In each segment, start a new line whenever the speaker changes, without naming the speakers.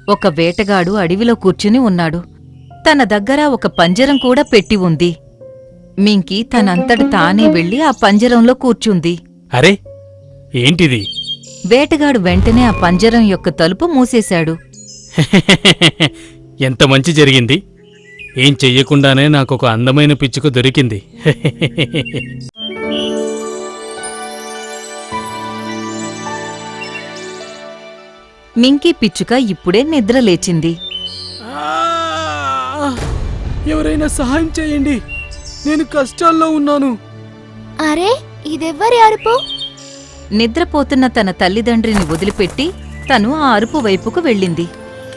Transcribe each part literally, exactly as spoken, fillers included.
ఒక వేటగాడు అడవిలో కూర్చుని ఉన్నాడు. తన దగ్గర ఒక పంజరం కూడా పెట్టి ఉంది. మింకీ తనంతట తానే వెళ్లి ఆ పంజరంలో కూర్చుంది.
అరే ఏంటిది?
వేటగాడు వెంటనే ఆ పంజరం యొక్క తలుపు మూసేశాడు.
ఎంత మంచి జరిగింది. ఏం చెయ్యకుండానే నాకొక అందమైన పిచ్చుక దొరికింది.
మింకీ పిచ్చుక ఇప్పుడే నిద్రలేచింది.
ఎవరైనా సహాయం చేయండి, నేను కష్టాల్లో ఉన్నాను.
అరే ఇదెవ్వరి అరుపు?
నిద్రపోతున్న తన తల్లిదండ్రిని వదిలిపెట్టి తను ఆ అరుపు వైపుకు వెళ్ళింది.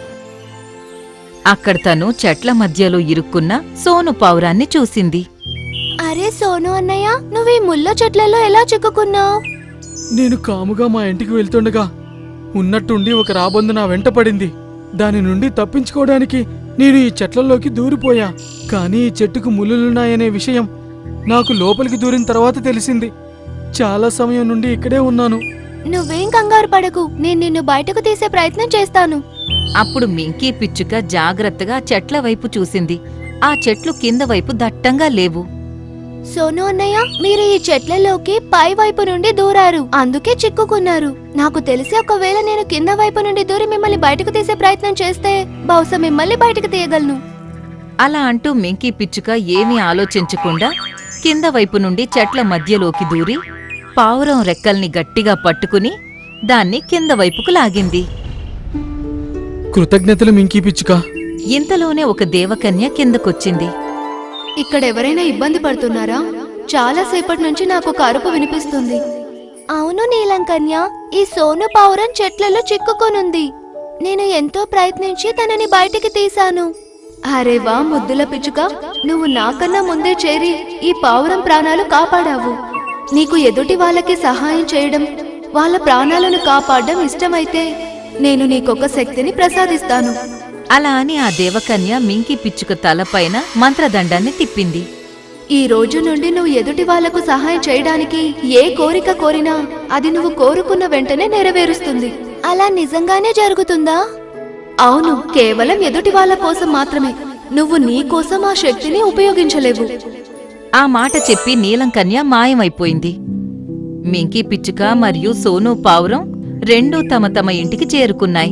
అక్కడ తను చెట్ల మధ్యలో ఇరుక్కున్న సోను పావురాన్ని చూసింది.
అరే సోను అన్నయ్య, నువ్వీ ముళ్ళ చెట్లలో ఎలా చిక్కుకున్నావు?
నేను కాముగా మా ఇంటికి వెళ్తుండగా ఉన్నట్టుండి ఒక రాబందు నా వెంట పడింది. దాని నుండి తప్పించుకోవడానికి నేను ఈ చెట్లలోకి దూరిపోయా. కానీ ఈ చెట్టుకు ముళ్ళులున్నాయనే విషయం నాకు లోపలికి దూరిన తర్వాత తెలిసింది. చాలా సమయం నుండి ఇక్కడే ఉన్నాను.
నువ్వేం కంగారు పడకు, నేను నిన్ను బయటకు తీసే ప్రయత్నం చేస్తాను.
అప్పుడు మింకీ పిచ్చుక జాగ్రత్తగా చెట్ల వైపు చూసింది. ఆ చెట్లు కింద వైపు దట్టంగా లేవు.
సోను అన్నయ్య, మీరు ఈ చెట్లలోకి పై వైపు నుండి దూరారు, అందుకే చిక్కుకున్నారు. నాకు తెలిసి ఒకవేళ నేను కింద వైపు నుండి దూరి మిమ్మల్ని బయటకు తీసే ప్రయత్నం చేస్తే బహుశా మిమ్మల్ని బయటకు తీయగలను.
అలా అంటూ మింకీ పిచ్చుక ఏమీ ఆలోచించకుండా కింద వైపు నుండి చెట్ల మధ్యలోకి దూరి పావురం రెక్కల్ని గట్టిగా పట్టుకుని దాన్ని కింద వైపుకు లాగింది.
కృతజ్ఞతలు మింకీ పిచ్చుక.
ఇంతలోనే ఒక దేవకన్య కిందకొచ్చింది.
ఇక్కడెవరైనా ఇబ్బంది పడుతున్నారా? చాలా సేపటి నుంచి నాకు ఒక అరుపు వినిపిస్తుంది. అవును నీలంకన్య, ఈ సోను పావురం చెట్లలో చిక్కుకొనుంది. నేను ఎంతో ప్రయత్నించి తనని బయటికి తీశాను. అరే వా ముద్దుల పిచ్చుక, నువ్వు నాకన్నా ముందే చేరి ఈ పావురం ప్రాణాలు కాపాడావు. నీకు ఎదుటి వాళ్ళకి సహాయం చేయడం, వాళ్ళ ప్రాణాలను కాపాడడం ఇష్టమైతే నేను నీకొక శక్తిని ప్రసాదిస్తాను.
అలా అని ఆ దేవకన్య మింకీ పిచ్చుక తలపైన మంత్రదండాన్ని తిప్పింది.
ఈ రోజు నుండి నువ్వు ఎదుటి వాళ్లకు సహాయం చేయడానికి ఏ కోరిక కోరినా అది నువ్వు కోరుకున్న వెంటనే నెరవేరుస్తుంది. అలా నిజంగానే జరుగుతుందా? అవును, కేవలం ఎదుటి వాళ్ళ కోసం మాత్రమే. నువ్వు నీ కోసం ఆ శక్తిని ఉపయోగించలేవు.
ఆ మాట చెప్పి నీలంకన్య మాయమైపోయింది. మింకీ పిచ్చుక మరియు సోను పావురం రెండూ తమ తమ ఇంటికి చేరుకున్నాయి.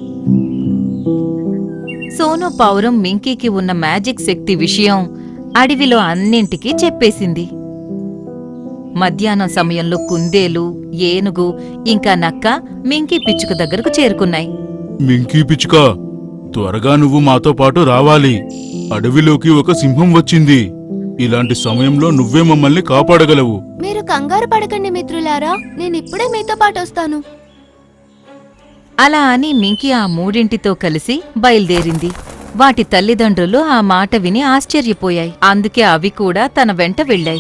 సోను పావురం మింకీకి ఉన్న మ్యాజిక్ శక్తి విషయం అడవిలో అన్నింటికీ చెప్పేసింది. మధ్యాహ్నం సమయంలో కుందేలు, ఏనుగు ఇంకా నక్క మింకీ పిచ్చుక దగ్గరకు చేరుకున్నాయి.
మింకీ పిచ్చుక, త్వరగా నువ్వు మాతో పాటు రావాలి. అడవిలోకి ఒక సింహం వచ్చింది. ఇలాంటి సమయంలో నువ్వే మమ్మల్ని కాపాడగలవు.
మీరు కంగారు పడకండి మిత్రులారా, నేనిప్పుడే మీతో పాటు వస్తాను.
అలా అని మింకీ ఆ మూడింటితో కలిసి బయల్దేరింది. వాటి తల్లిదండ్రులు ఆ మాట విని ఆశ్చర్యపోయాయి. అందుకే అవి కూడా తన వెంట వెళ్ళాయి.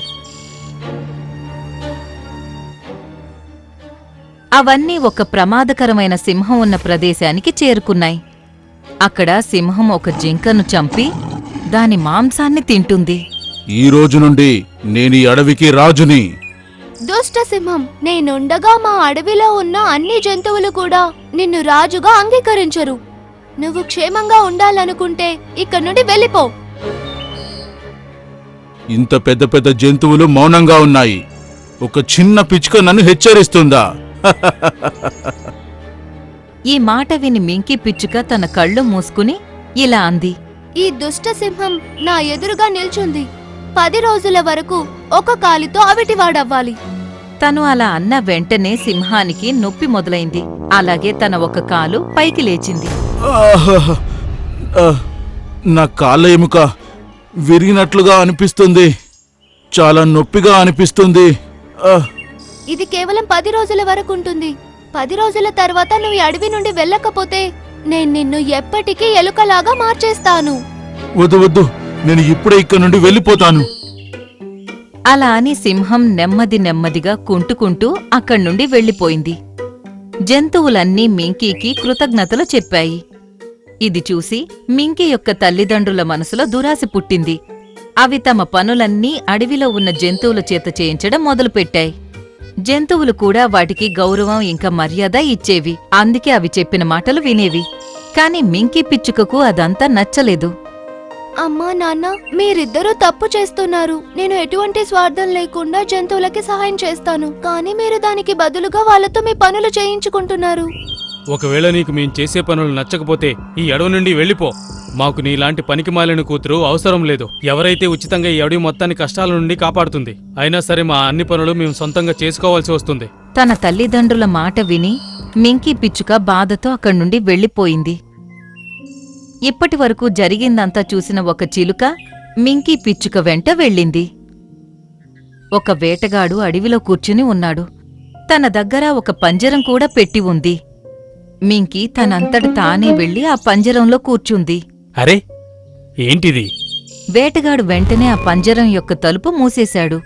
అవన్నీ ఒక ప్రమాదకరమైన సింహం ఉన్న ప్రదేశానికి చేరుకున్నాయి. అక్కడ సింహం ఒక జింకను చంపి దాని మాంసాన్ని తింటుంది.
ఈ రోజు నుండి నేను ఈ అడవికి రాజుని.
దుష్ట సింహం, నేనుండగా మా అడవిలో ఉన్న అన్ని జంతువులు కూడా నిన్ను రాజుగా అంగీకరించరు. నువ్వు క్షేమంగా ఉండాలనుకుంటే ఇక్కడి నుండి వెళ్ళిపో.
ఇంత పెద్ద పెద్ద జంతువులు మౌనంగా ఉన్నాయి. ఒక చిన్న పిచ్చుక నన్ను హెచ్చరిస్తుందా?
ఈ మాట విని మింకీ పిచ్చుక తన కళ్ళు మూసుకుని ఇలా అంది.
ఈ దుష్ట సింహం నా ఎదురుగా నిల్చుంది. పది రోజుల వరకు ఒక కాలితో అవిటివాడవ్వాలి.
తను అలా అన్న వెంటనే సింహానికి నొప్పి మొదలైంది. అలాగే తన ఒక కాలు పైకి లేచింది.
ఆహ్! ఆహ్! నా కాళ్ళ ఎముక విరిగినట్లుగా అనిపిస్తుంది. చాలా నొప్పిగా అనిపిస్తుంది. ఆహ్!
ఇది కేవలం పది రోజుల వరకు ఉంటుంది. పది రోజుల తర్వాత నువ్వు ఈ అడవి నుండి వెళ్ళకపోతే నేను నిన్ను ఎప్పటికీ ఎలుకలాగా మార్చేస్తాను.
వద్దు వద్దు, నేను ఇప్పుడే ఇక్కడ నుండి వెళ్ళిపోతాను.
అలా అని సింహం నెమ్మది నెమ్మదిగా కుంటుకుంటూ అక్కడ్నుండి వెళ్ళిపోయింది. జంతువులన్నీ మింకీకి కృతజ్ఞతలు చెప్పాయి. ఇది చూసి మింకీ యొక్క తల్లిదండ్రుల మనసులో దురాశ పుట్టింది. అవి తమ పనులన్నీ అడవిలో ఉన్న జంతువుల చేత చేయించడం మొదలుపెట్టాయి. జంతువులు కూడా వాటికి గౌరవం ఇంకా మర్యాద ఇచ్చేవి. అందుకే అవి చెప్పిన మాటలు వినేవి. కాని మింకీ పిచ్చుకకు అదంతా నచ్చలేదు.
అమ్మా నాన్న, మీరిద్దరూ తప్పు చేస్తున్నారు. నేను ఎటువంటి స్వార్థం లేకుండా జంతువులకి సహాయం చేస్తాను, కానీ మీరు దానికి బదులుగా వాళ్ళతో మీ పనులు చేయించుకుంటున్నారు.
ఒకవేళ నీకు మేం చేసే పనులు నచ్చకపోతే ఈ అడవి నుండి వెళ్ళిపో. మాకు నీలాంటి పనికిమాలిన కూతురు అవసరం లేదు. ఎవరైతే ఉచితంగా ఈ అడవి మొత్తాన్ని కష్టాల నుండి కాపాడుతుంది, అయినా సరే మా అన్ని పనులు మేము సొంతంగా చేసుకోవాల్సి వస్తుంది.
తన తల్లిదండ్రుల మాట విని మింకీ పిచ్చుక బాధతో అక్కడి నుండి వెళ్ళిపోయింది. ఇప్పటి వరకు జరిగిందంతా చూసిన ఒక చిలుక మింకీ పిచ్చుక వెంట వెళ్ళింది. ఒక వేటగాడు అడవిలో కూర్చుని ఉన్నాడు. తన దగ్గర ఒక పంజరం కూడా పెట్టి ఉంది. మింకీ తనంతట తానే వెళ్లి ఆ పంజరంలో కూర్చుంది.
అరే, ఏంటిది?
వేటగాడు వెంటనే ఆ పంజరం యొక్క తలుపు మూసేశాడు.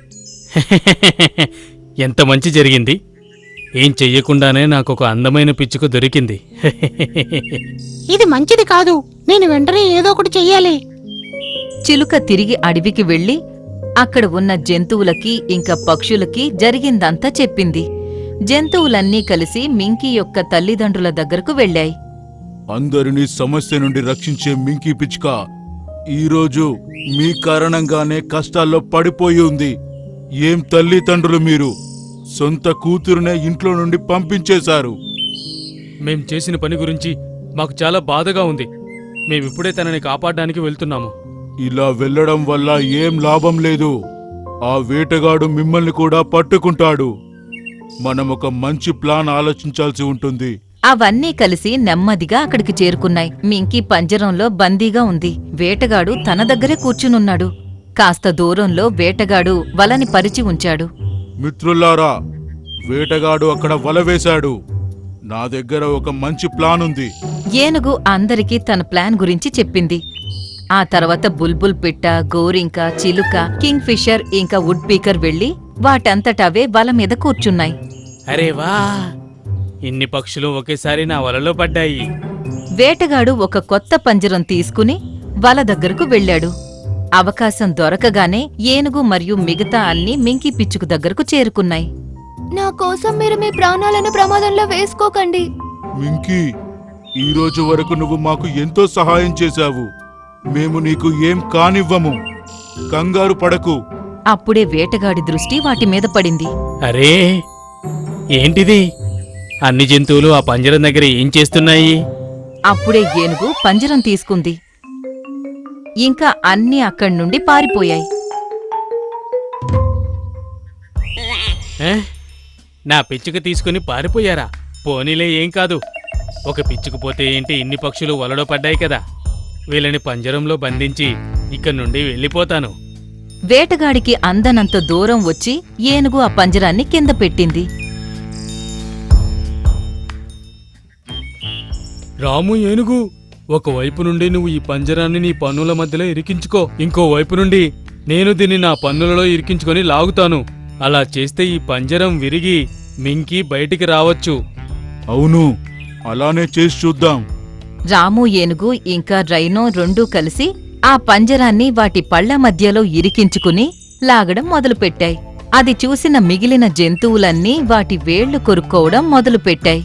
ఎంత మంచి జరిగింది! ఏం చెయ్యకుండానే నాకొక అందమైన పిచ్చుక దొరికింది.
ఇది మంచిది కాదు. నేను వెంటనే ఏదో ఒకటి చెయ్యాలి.
చిలుక తిరిగి అడవికి వెళ్లి అక్కడ ఉన్న జంతువులకి ఇంకా పక్షులకి జరిగిందంతా చెప్పింది. జంతువులన్నీ కలిసి మింకీ యొక్క తల్లిదండ్రుల దగ్గరకు వెళ్ళాయి.
అందరినీ సమస్య నుండి రక్షించే మింకీ పిచ్చుక ఈరోజు మీ కారణంగానే కష్టాల్లో పడిపోయి ఉంది. ఏం తల్లిదండ్రులు మీరు! సొంత కూతురునే ఇంట్లో నుండి పంపించేశారు.
మేం చేసిన పని గురించి మాకు చాలా బాధగా ఉంది. మేమిప్పుడే తనని కాపాడడానికి వెళ్తున్నాము.
ఇలా వెళ్ళడం వల్ల ఏం లాభం లేదు. ఆ వేటగాడు మిమ్మల్ని కూడా పట్టుకుంటాడు. మనం ఒక మంచి ప్లాన్ ఆలోచించాల్సి ఉంటుంది.
అవన్నీ కలిసి నెమ్మదిగా అక్కడికి చేరుకున్నాయి. మింకీ పంజరంలో బందీగా ఉంది. వేటగాడు తన దగ్గరే కూర్చునున్నాడు. కాస్త దూరంలో వేటగాడు వలని పరిచి ఉంచాడు.
మిత్రులారా, వేటగాడు అక్కడ వల వేశాడు. నా దగ్గర ఒక మంచి ప్లాన్ ఉంది.
ఏనుగు అందరికీ తన ప్లాన్ గురించి చెప్పింది. ఆ తర్వాత బుల్బుల్ పిట్ట, గోరింక, చిలుక, కింగ్ ఫిషర్ ఇంకా వుడ్ పీకర్ వెళ్లి వాటంతటవే వల మీద కూర్చున్నాయి.
అరే వా! ఇన్ని పక్షులు ఒకేసారి నా వలలో పడ్డాయి.
వేటగాడు ఒక కొత్త పంజరం తీసుకుని వల దగ్గరకు వెళ్ళాడు. అవకాశం దొరకగానే ఏనుగు మరియు మిగతా అన్ని మింకీ పిచ్చుకు దగ్గరకు చేరుకున్నాయి.
నా కోసం మీరు మీ ప్రాణాలను ప్రమాదంలో వేసుకోకండి.
మింకీ, ఈ రోజు వరకు నువ్వు మాకు ఎంతో సహాయం చేశావు. మేము నీకు ఏం కానివ్వము. కంగారు పడకు.
అప్పుడే వేటగాడి దృష్టి వాటి మీద పడింది.
అరే, ఏంటిది? అన్ని జంతువులు ఆ పంజరం దగ్గర ఏం చేస్తున్నాయి?
అప్పుడే ఏనుగు పంజరం తీసుకుంది. ఇంకా అన్నీ అక్కడి నుండి పారిపోయాయి.
ఏ? నా పిచ్చుక తీసుకుని పారిపోయారా? పోనీలే, ఏం కాదు. ఒక పిచ్చుకుపోతే ఏంటి, ఇన్ని పక్షులు వలలో పడ్డాయి కదా. వీళ్ళని పంజరంలో బంధించి ఇక్కడి నుండి వెళ్ళిపోతాను.
వేటగాడికి అందనంత దూరం వచ్చి ఏనుగు ఆ పంజరాన్ని కింద పెట్టింది.
రాము, ఏనుగు, ఒకవైపు నుండి నువ్వు ఈ పంజరాన్ని నీ పన్నుల మధ్యలో ఇరికించుకో. ఇంకో వైపు నుండి నేను దీన్ని నా పన్నులలో ఇరికించుకొని లాగుతాను. అలా చేస్తే ఈ పంజరం విరిగి మింకీ బయటికి రావచ్చు.
అవును, అలానే చేసి చూద్దాం.
రాము, ఏనుగు ఇంకా రైనో రెండూ కలిసి ఆ పంజరాన్ని వాటి పళ్ల మధ్యలో ఇరికించుకుని లాగడం మొదలుపెట్టాయి. అది చూసిన మిగిలిన జంతువులన్నీ వాటి వేళ్లు కొరుక్కోవడం మొదలుపెట్టాయి.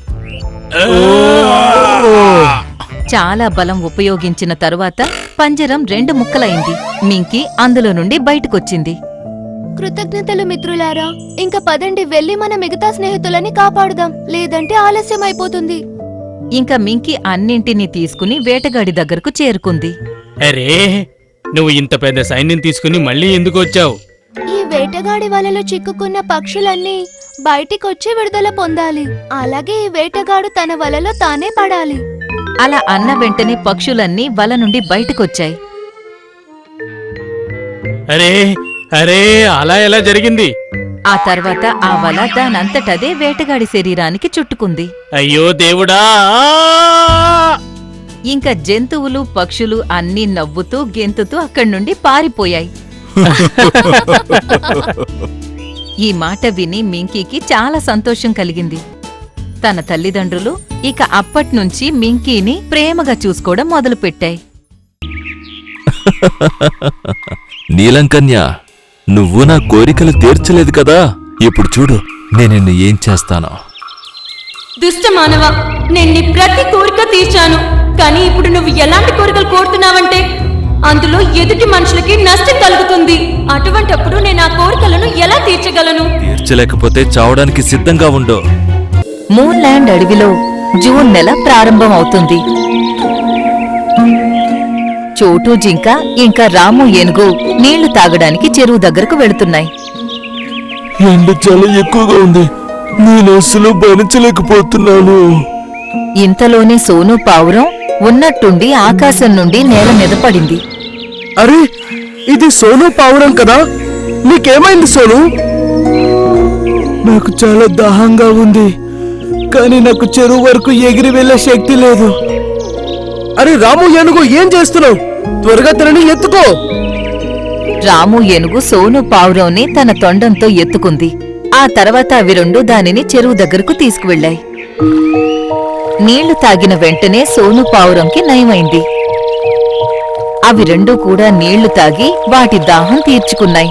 చాలా బలం ఉపయోగించిన తరువాత పంజరం రెండు ముక్కలైంది. మింకీ అందులో నుండి బయటకొచ్చింది.
కృతజ్ఞతలు మిత్రులారా. ఇంకా పదండి, వెళ్లి మన మిగతా స్నేహితులని కాపాడుదాం, లేదంటే ఆలస్యం అయిపోతుంది.
ఇంకా మింకీ అన్నింటినీ తీసుకుని వేటగాడి దగ్గరకు చేరుకుంది.
అరే, నువ్వు ఇంత పెద్ద సైన్యం తీసుకుని మళ్ళీ ఎందుకు వచ్చావు?
ఈ వేటగాడి వలలో చిక్కుకున్న పక్షులన్నీ బయటికొచ్చి విడుదల పొందాలి. అలాగే ఈ వేటగాడు తన వలలో తానే పడాలి.
అలా అన్న వెంటనే పక్షులన్నీ వల నుండి బయటకొచ్చాయి.
అరే అరే అలా ఎలా జరిగింది?
ఆ తర్వాత ఆ వల దానంతటదే వేటగాడి శరీరానికి చుట్టుకుంది.
అయ్యో దేవుడా!
ఇంకా జంతువులు, పక్షులు అన్నీ నవ్వుతూ గెంతుతూ అక్కడి నుండి పారిపోయాయి. ఈ మాట విని మింకీకి చాలా సంతోషం కలిగింది. తన తల్లిదండ్రులు ఇక అప్పట్నుంచి మింకీని ప్రేమగా చూసుకోవడం మొదలుపెట్టాయి.
నీలంకన్య, నువ్వు నా కోరికలు తీర్చలేదు కదా. ఇప్పుడు చూడు నేను నిన్ను ఏం చేస్తానో.
దుష్ట మానవ, నేను నీ ప్రతి కోరిక తీర్చాను. కానీ ఇప్పుడు నువ్వు ఎలాంటి కోరికలు కోరుతున్నావంటే అందులో ఎదుటి మనుషులకి నష్టం కలుగుతుంది. అటువంటప్పుడు నేను ఆ కోరికలను ఎలా తీర్చగలను?
తీర్చలేకపోతే చావడానికి సిద్ధంగా ఉండు.
మూన్ ల్యాండ్ అడవిలో జూన్ నెల ప్రారంభం అవుతుంది. చోటు జింక ఇంకా రాము ఏనుగు నీళ్లు తాగడానికి చెరువు దగ్గరకు వెళుతున్నాయి.
ఎండ చాలా ఎక్కువగా ఉంది, నేను అస్సలు భరించలేకపోతున్నాను.
ఇంతలోనే సోను పావురం ఉన్నట్టుండి ఆకాశం నుండి నేల మీద పడింది.
అరే, ఇది సోను పావురం కదా? నీకేమైంది సోను? నాకు చాలా దాహంగా ఉంది, కానీ నాకు చెరువు వరకు ఎగిరి వెళ్ళే శక్తి లేదు. అరే రాము ఏనుగు, ఏం చేస్తున్నావు? త్వరగా తనని ఎత్తుకో.
రాము ఏనుగు సోను పావురంని తన తొండంతో ఎత్తుకుంది. ఆ తర్వాత అవి రెండు దానిని చెరువు దగ్గరకు తీసుకువెళ్ళాయి. నీళ్లు తాగిన వెంటనే సోను పావురంకి నయమైంది. అవి రెండూ కూడా నీళ్లు తాగి వాటి దాహం తీర్చుకున్నాయి.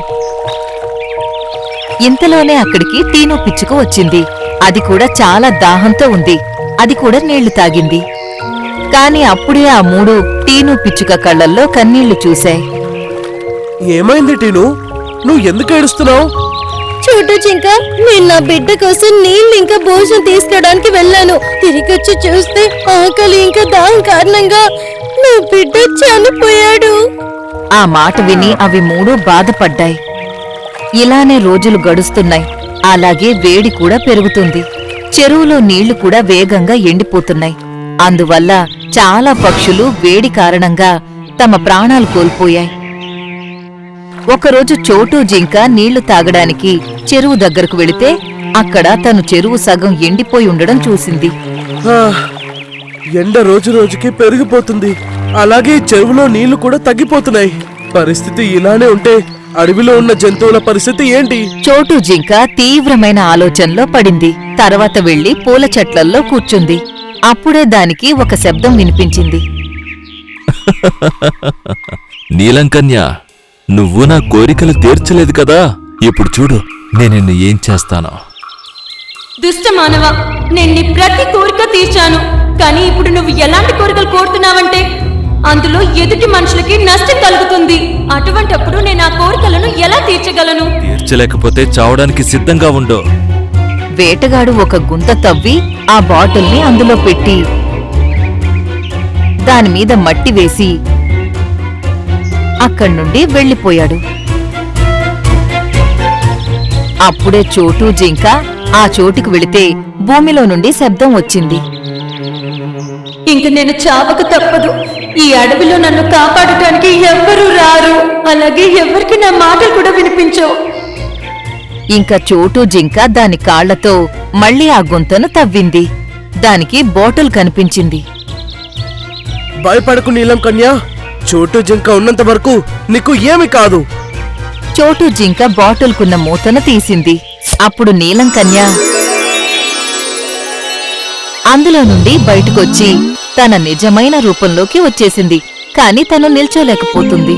ఇంతలోనే అక్కడికి టీను పిచ్చుక వచ్చింది. అది కూడా చాలా దాహంతో ఉంది. అది కూడా నీళ్లు తాగింది. కాని అప్పుడే ఆ మూడు టీను పిచ్చుక కళ్ళల్లో కన్నీళ్లు చూశాయి.
ఏమైంది టీను? నువ్వు ఎందుకు ఏడుస్తున్నావు?
చోటు జింక, నేను నా బిడ్డ కోసం నీళ్ళు ఇంకా భోజనం తీసుకురావడానికి వెళ్ళాను. తిరిగొచ్చి చూస్తే ఆకలి ఇంకా దాహం కారణంగా నా బిడ్డ చనిపోయాడు.
ఆ మాట విని అవి మూడు బాధపడ్డాయి. ఇలానే రోజులు గడుస్తున్నాయి. అలాగే వేడి కూడా పెరుగుతుంది. చెరువులో నీళ్లు కూడా వేగంగా ఎండిపోతున్నాయి. అందువల్ల చాలా పక్షులు వేడి కారణంగా తమ ప్రాణాలు కోల్పోయాయి. ఒకరోజు చోటు జింక నీళ్లు తాగడానికి చెరువు దగ్గరకు వెళితే అక్కడ తను చెరువు సగం ఎండిపోయి ఉండడం చూసింది.
ఆ, ఎండ రోజు రోజుకి పెరిగిపోతుంది, అలాగే చెరువులో నీళ్లు కూడా తగ్గిపోతున్నాయి. పరిస్థితి ఇలానే ఉంటే అడవిలో ఉన్న జంతువుల పరిస్థితి ఏంటి?
చోటు జింక తీవ్రమైన ఆలోచనలో పడింది. తర్వాత వెళ్లి పూల చెట్లల్లో కూర్చుంది. అప్పుడే దానికి ఒక శబ్దం వినిపించింది.
నీలంకన్య, నువ్వు నా కోరికలు తీర్చలేదు కదా? ఇప్పుడు చూడు నేను నిన్ను ఏం చేస్తానో.
దుష్ట మానవ, నేను నీ ప్రతి కోరిక తీర్చాను. కానీ ఇప్పుడు నువ్వు ఎలాంటి కోరికలు కోరుతున్నావంటే అందులో ఎదుటి మనుషులకి నష్టం కలుగుతుంది. అటువంటప్పుడు నేను ఆ కోరికలను ఎలా తీర్చగలను?
తీర్చలేకపోతే చావడానికి సిద్ధంగా ఉండు.
వేటగాడు ఒక గుంత తవ్వి ఆ బాటిల్ని అందులో పెట్టి దానిమీద మట్టి వేసి అక్కడి నుండి వెళ్లిపోయాడు. అప్పుడే చోటు జింక ఆ చోటుకు వెళితే భూమిలో నుండి శబ్దం వచ్చింది.
ఇంక నేను చావక తప్పదు. ఈ అడవిలో నన్ను కాపాడటానికి ఎవ్వరూ రారు. అలాగే ఎవరికి నా మాటలు కూడా వినిపించవు.
ఇంకా చోటు జింక దాని కాళ్లతో మళ్లీ ఆ గుంతను తవ్వింది. దానికి బాటిల్ కనిపించింది.
భయపడకు నీలం కన్యా, చోటు జింక ఉన్నంత వరకు నీకు ఏమి కాదు.
చోటు జింక బాటిల్కున్న మూతను తీసింది. అప్పుడు నీలం కన్య అందులో నుండి బయటకొచ్చి తన నిజమైన రూపంలోకి వచ్చేసింది. కాని తను నిల్చోలేకపోతుంది.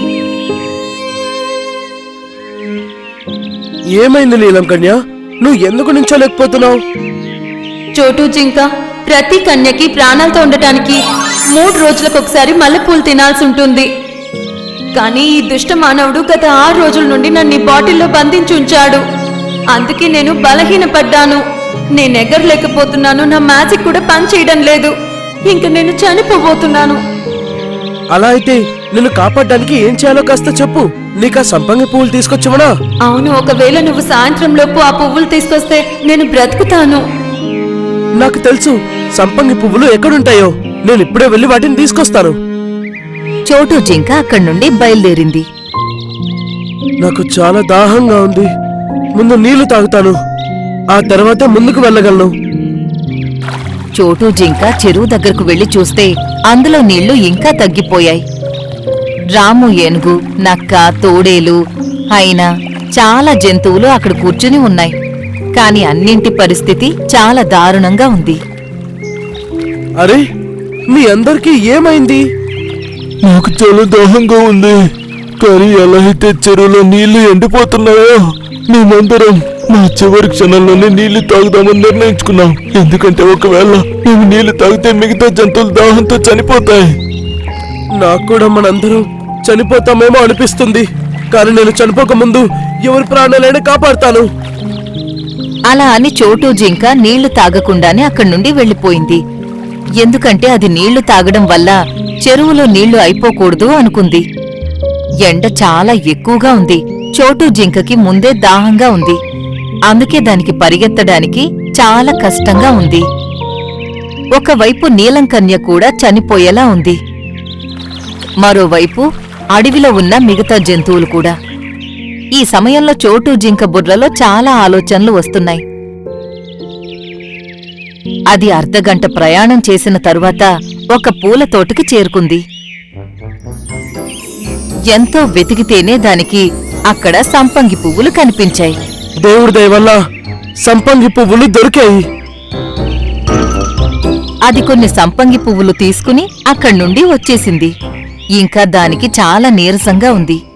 ఏమైంది నీలం కన్యా? నువ్వు ఎందుకు నించోలేకపోతున్నావు?
చోటు జింక, ప్రతి కన్యకి ప్రాణాలతో ఉండటానికి మూడు రోజులకు ఒకసారి మల్లెపూలు తినాల్సి ఉంటుంది. కానీ ఈ దుష్ట మానవుడు గత ఆరు రోజుల నుండి నన్ను ఈ బాటిల్లో బంధించి ఉంచాడు. అందుకే నేను బలహీనపడ్డాను. నేను ఎగరలేకపోతున్నాను. నా మ్యాజిక్ కూడా పని చేయడం లేదు. ఇంక నేను చనిపోబోతున్నాను.
అలా అయితే నిన్ను కాపాడడానికి ఏం చేయాలో కాస్త చెప్పు. నీకు ఆ సంపంగి పువ్వులు తీసుకొచ్చమనా?
అవును, ఒకవేళ నువ్వు సాయంత్రం లోపు ఆ పువ్వులు తీసుకొస్తే నేను బ్రతుకుతాను.
నాకు తెలుసు సంపంగి పువ్వులు ఎక్కడుంటాయో. నేను ఇప్పుడే వెళ్ళి వాటిని తీసుకొస్తాను.
చోటు జింక అక్కడి నుండి బయలుదేరింది.
నాకు చాలా దాహంగా ఉంది. ముందు నీళ్లు తాగుతాను, ఆ తర్వాత ముందుకు వెళ్ళగలను.
చోటు జింక చెరువు దగ్గరకు వెళ్లి చూస్తే అందులో నీళ్లు ఇంకా తగ్గిపోయాయి. రాము ఏనుగు, నక్క, తోడేలు అయినా చాలా జంతువులు అక్కడ కూర్చుని ఉన్నాయి. కాని అన్నింటి పరిస్థితి చాలా దారుణంగా ఉంది.
అరే, మీ అందరికీ ఏమైంది? నాకు చాలా దాహంగా ఉంది, కానీ ఎలా అయితే చెరువులో నీళ్లు ఎండిపోతున్నాయో మేమందరం
మా చివరి క్షణంలోనే నీళ్లు తాగుదామని నిర్ణయించుకున్నాం. ఎందుకంటే ఒకవేళ మేము నీళ్లు తాగితే మిగతా జంతువులు దాహంతో చనిపోతాయి.
నాకు కూడా మనందరం చనిపోతామేమో అనిపిస్తుంది, కానీ నేను చనిపోక ముందు ఎవరి ప్రాణాలైనా కాపాడుతాను.
అలా అని చోటు జింక నీళ్లు తాగకుండానే అక్కడి నుండి వెళ్లిపోయింది. ఎందుకంటే అది నీళ్లు తాగడం వల్ల చెరువులో నీళ్లు అయిపోకూడదు అనుకుంది. ఎండ చాలా ఎక్కువగా ఉంది. చోటు జింకకి ముందే దాహంగా ఉంది. అందుకే దానికి పరిగెత్తడానికి చాలా కష్టంగా ఉంది. ఒకవైపు నీలంకన్య కూడా చనిపోయేలా ఉంది. మరోవైపు అడవిలో ఉన్న మిగతా జంతువులు కూడా. ఈ సమయంలో చోటు జింక బుర్రలో చాలా ఆలోచనలు వస్తున్నాయి. అది అర్ధగంట ప్రయాణం చేసిన తరువాత ఒక పూల తోటకి చేరుకుంది. ఎంతో వెతికితేనే దానికి అక్కడ సంపంగి పువ్వులు కనిపించాయి.
దేవుడి దయ వల్ల సంపంగి పువ్వులు దొరికాయి.
అది కొన్ని సంపంగి పువ్వులు తీసుకుని అక్కడి నుండి వచ్చేసింది. ఇంకా దానికి చాలా నీరసంగా ఉంది.